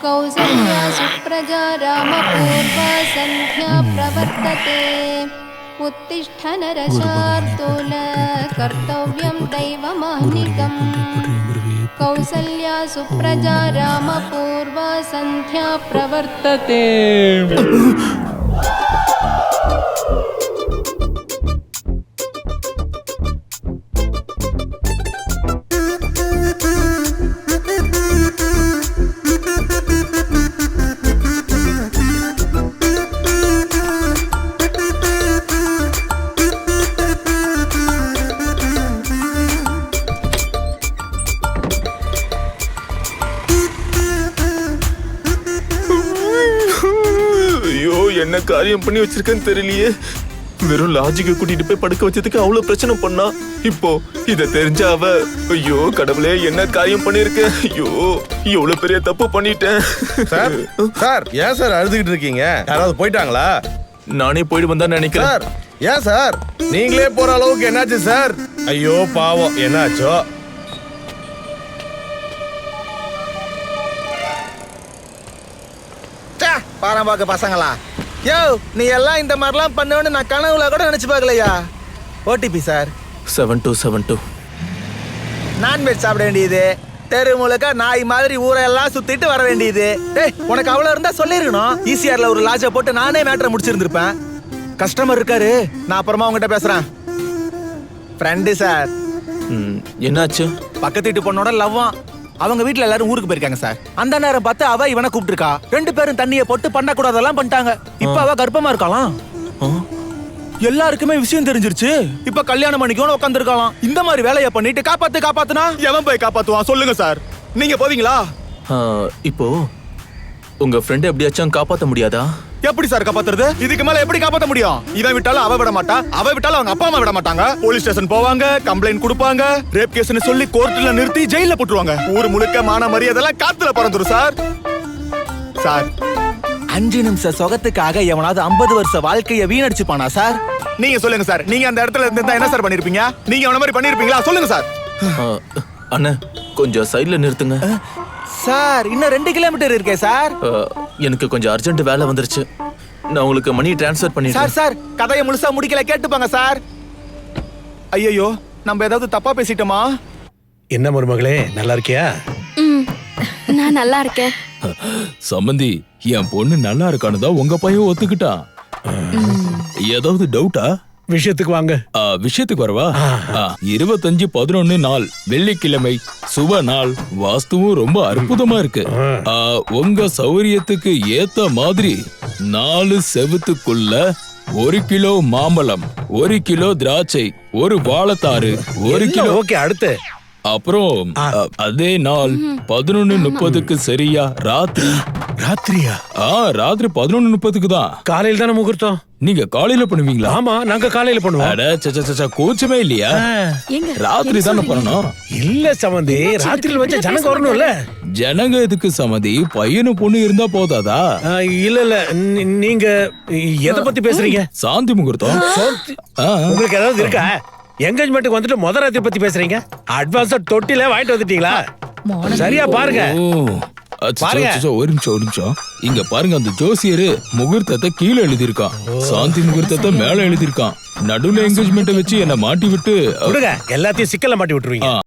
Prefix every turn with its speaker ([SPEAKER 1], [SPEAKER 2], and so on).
[SPEAKER 1] कौसल्या सुप्रजा रामपूर्वा सन्ध्या प्रवर्तते उत्तिष्ठ नरशार्दूल कर्तव्यं दैवमाह्निकम् कौसल्या सुप्रजा रामपूर्वा सन्ध्या प्रवर्तते
[SPEAKER 2] என்ன காரியம் பண்ணி வச்சிருக்கேன்னு தெரியலையே. வெறும் லாஜிக்க கூட்டிட்டு போய் படுக்க வச்சதுக்கு அவ்வளவு பிரச்சனை பண்ணா. இப்போ இத தெரிஞ்ச அவ ஐயோ கடவுளே என்ன காரியம் பண்ணிருக்க. ஐயோ எவ்வளவு பெரிய தப்பு பண்ணிட்டேன்.
[SPEAKER 3] சார் சார் ஏன் சார் அழுதுகிட்டு இருக்கீங்க? யாராவது போயிட்டாங்களா?
[SPEAKER 2] நானே போயிட்டு வந்தா நினைக்கிறேன்.
[SPEAKER 3] சார் ஏன் சார் நீங்களே போற அளவுக்கு என்னாச்சு சார்? ஐயோ பாவம் என்னாச்சோ? பாரம்பாக்க பசங்களா யோ நீ எல்லாம் இந்த மாதிரிலாம் பண்ணுவேன்னு நான் கனவுல கூட நினைச்சு பார்க்கலையா. OTP sir
[SPEAKER 2] 7272.
[SPEAKER 3] நான்வெஜ் சாப்பிட வேண்டியது, தெரு முழுக்க நாய் மாதிரி ஊரெல்லாம் சுத்திட்டு வர வேண்டியது. டேய் உனக்கு அவ்வளவு இருந்தா சொல்லிருக்கணும். ஈசிஆர்ல ஒரு லாட்ஜை போட்டு நானே மேட்டரை முடிச்சிருந்திருப்பேன். கஸ்டமர் இருக்காரு, நான் அப்புறமா உங்ககிட்ட பேசுறேன். Friend sir.
[SPEAKER 2] என்னாச்சு?
[SPEAKER 3] பக்கத்து வீட்டு பொண்ணோட லவ்வா. அவங்க வீட்டுல எல்லாரும் ஊருக்கு போயிருக்காங்க சார். அந்த நேரம் பார்த்து அவ இவனை கூப்பிட்டுருக்கா. 2 பேரும் தண்ணியை போட்டு பண்ணக்கூடாதெல்லாம் பண்ணிட்டாங்க. இப்ப அவ கர்ப்பமா இருக்கலாம். எல்லாருக்குமே விஷயம் தெரிஞ்சிருச்சு. இப்ப கல்யாணம் பண்ணிக்கோன்னு உட்காந்துருக்கலாம். இந்த மாதிரி வேலையை பண்ணிட்டு காப்பாத்துனா எவன் போய் காப்பாத்துவான் சொல்லுங்க சார். நீங்க போவீங்களா?
[SPEAKER 2] இப்போ உங்க ஃப்ரெண்ட் எப்படியாச்சும் காப்பாத்த முடியாதா?
[SPEAKER 3] எப்படி சார் காப்பாத்துறது? இதுக்கு மேல எப்படி காப்பாத்த முடியும்? இவன் விட்டாலும் அவ விட மாட்டா, அவ விட்டாலும் அவங்க அப்பா அம்மா விட மாட்டாங்க. போலீஸ் ஸ்டேஷன் போவாங்க, கம்ப்ளைண்ட் கொடுப்பாங்க, ரேப் கேஸ்னு சொல்லி கோர்ட்ல நிறுத்தி ஜெயில போட்டுருவாங்க. ஊர் முழுக்க மான மரியாதைலாம் காத்துல பறந்துரும் சார். சார் 5 நிமிஷம் சொகத்துக்காக எவனாவது 50 வருஷ வாழ்க்கைய வீணடிச்சுப்பானா சார்? நீங்க சொல்லுங்க சார். நீங்க அந்த இடத்துல இருந்தா என்ன சார் பண்ணிருப்பீங்க? நீங்க அவன மாதிரி பண்ணிருப்பீங்களா? சொல்லுங்க சார்.
[SPEAKER 2] அண்ணா கொஞ்சம் சைடுல நிறுத்துங்க
[SPEAKER 3] சார். இன்னும் 2 கிலோமீட்டர் இருக்கே சார்.
[SPEAKER 2] எனக்கு கொஞ்சம் அர்ஜென்ட் வேலை வந்துருச்சு. நான் உங்களுக்கு மணி டிரான்ஸ்ஃபர் பண்ணிடுறேன்.
[SPEAKER 3] சார் சார் கதையை முழுசா முடிக்கல, கேட்டுப்பாங்க சார். ஐயோ நம்ம ஏதாவது தப்பா பேசிட்டோமா?
[SPEAKER 4] என்ன மருமகளே நல்லா இருக்கியா?
[SPEAKER 1] நான் நல்லா இருக்கேன்.
[SPEAKER 5] சம்பந்தி என் பொண்ணு நல்லா இருக்கானதா உங்க பையன் ஒத்துக்கிட்டான். ஏதாவது டவுட்டா?
[SPEAKER 4] விஷயத்துக்கு வாங்க.
[SPEAKER 5] விஷயத்துக்கு வரவா? 25/11 நாள் வெள்ளிக்கிழமை சுப நாள். வாஸ்துவும் ரொம்ப அற்புதமா இருக்கு. உங்க சௌரியத்துக்கு ஏத்த மாதிரி 4 செவுத்துக்குள்ள 1 கிலோ மாம்பழம், 1 கிலோ திராட்சை, 1 வாழைத்தாறு, 1 கிலோ.
[SPEAKER 4] ஓகே அடுத்து.
[SPEAKER 5] அப்புறம் அதே நாள் 11:30க்கு சரியா
[SPEAKER 4] ராத்திரியா?
[SPEAKER 5] ராத்திரி 11:30க்கு தான்.
[SPEAKER 4] காலையில தானே முகூர்த்தம்.
[SPEAKER 5] நீங்க காலையில பண்ணுவீங்களா?
[SPEAKER 4] ஆமா நாங்க காலையில பண்ணுவோம்.
[SPEAKER 5] கூச்சமே இல்லையா? ராத்திரி தானே பண்ணணும்.
[SPEAKER 4] இல்ல சமந்தி, ராத்திரில வச்ச ஜனங்க வரணும்ல.
[SPEAKER 5] ஜனங்க எதுக்கு சமந்தி? பையனு பொண்ணு இருந்தா போதாதா?
[SPEAKER 4] இல்ல நீங்க எதை பத்தி பேசுறீங்க?
[SPEAKER 5] சாந்தி முகூர்த்தம்.
[SPEAKER 4] உங்களுக்கு ஏதாவது இருக்கா? என்கேஜ்மெண்ட்டுக்கு வந்துட்டு முத ராத்திரி பத்தி பேசுறீங்க. அட்வான்ஸா தொட்டில வாங்கிட்டு வந்துட்டீங்களா? சரியா பாருங்க.
[SPEAKER 5] ஒரு நிமிஷம் இங்க பாருங்க. அந்த ஜோசியரு முகூர்த்தத்தை கீழே எழுதிருக்கான், சாந்தி முகூர்த்தத்தை மேல எழுதிருக்கான். நடுவுல என்கேஜ்மெண்ட் வச்சு என்ன மாட்டி விட்டு
[SPEAKER 4] எல்லாத்தையும் சிக்கல்ல மாட்டி விட்டுருவீங்க.